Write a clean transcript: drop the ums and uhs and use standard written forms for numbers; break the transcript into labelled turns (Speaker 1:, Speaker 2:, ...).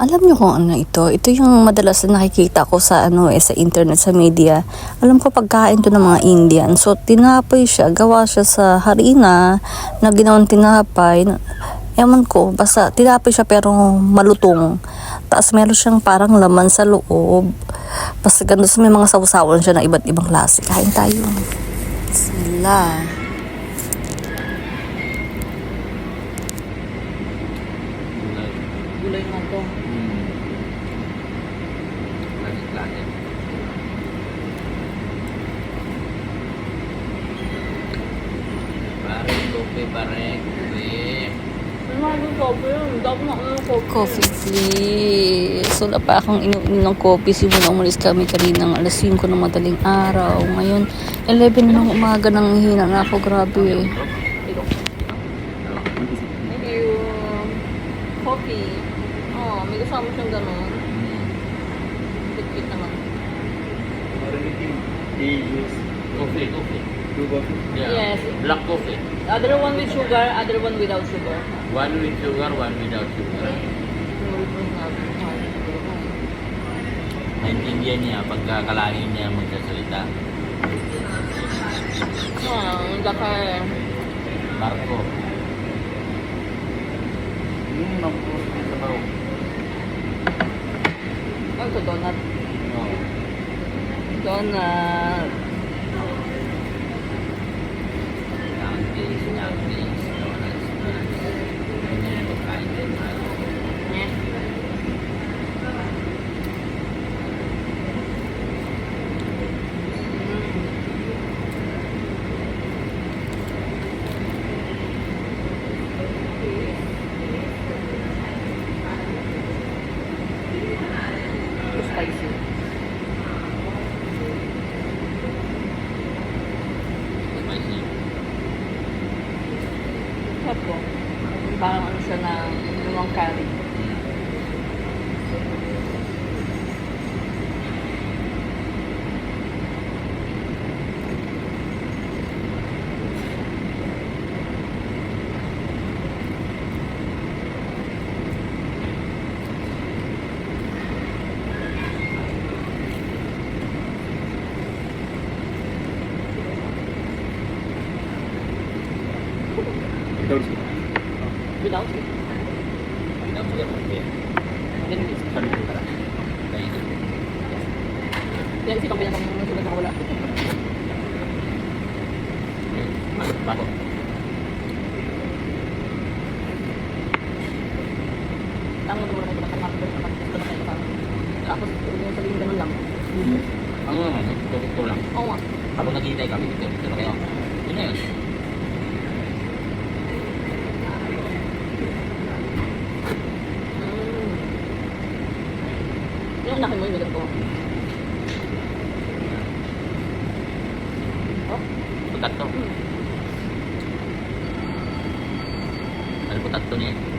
Speaker 1: Alam niyo kung ano ito? Ito yung madalas na nakikita ko sa sa internet, sa media. Alam ko pagkain to ng mga Indian. So tinapay siya, gawa siya sa harina na ginawang tinapay. Ewan ko, basta tinapay siya pero malutong. Tapos meron siyang parang laman sa loob. Basta ganun, may mga sausawan siya na iba't ibang klase. Kain tayo. Sila. Gulay nga to.
Speaker 2: Langit-langit. Pare, kopi, pare, kopi.
Speaker 1: Coffee please. Wala pa akong inumin ng coffee. Simula umalis kami kaninang alas 5 ng madaling araw. Ngayon, 11 ng umaga nang hina na ako. Grabe.
Speaker 3: Thank you. Coffee. Oh, may kasama siyang gano'n. Bit-bit naman.
Speaker 2: Coffee, coffee. Yeah.
Speaker 3: Yes.
Speaker 2: Black coffee.
Speaker 3: Other one with sugar, other one without sugar.
Speaker 2: One with sugar, one without sugar. Naintindihan niya pagkakalangin niya magsasalita.
Speaker 3: Laki.
Speaker 2: Marco. Naku, sabaw.
Speaker 3: Ano ito, donut?
Speaker 2: No.
Speaker 3: Donut.
Speaker 2: Nowadays, donuts. Hindi na pagkain din.
Speaker 3: Eh. Spicy.
Speaker 2: Spicy.
Speaker 3: Sarap po. Parang ano siya na lumang curry. Without it.
Speaker 2: Without sugar, okay.
Speaker 3: Then it's
Speaker 2: Sabi ko pala. Kain.
Speaker 3: Yan si pamilya kong sugat na wala.
Speaker 2: Masuk pa ako.
Speaker 3: Tama mo naman ito nakakapit. Tapos, huwag yung sabihin ganun lang.
Speaker 2: Ano naman, ito lang.
Speaker 3: Oo nga.
Speaker 2: Habang naghihintay kami dito na kayo. Yun na yun.
Speaker 3: Yung anak mo yung nilad ko. Oh?
Speaker 2: Putat to. Ano putat to niya?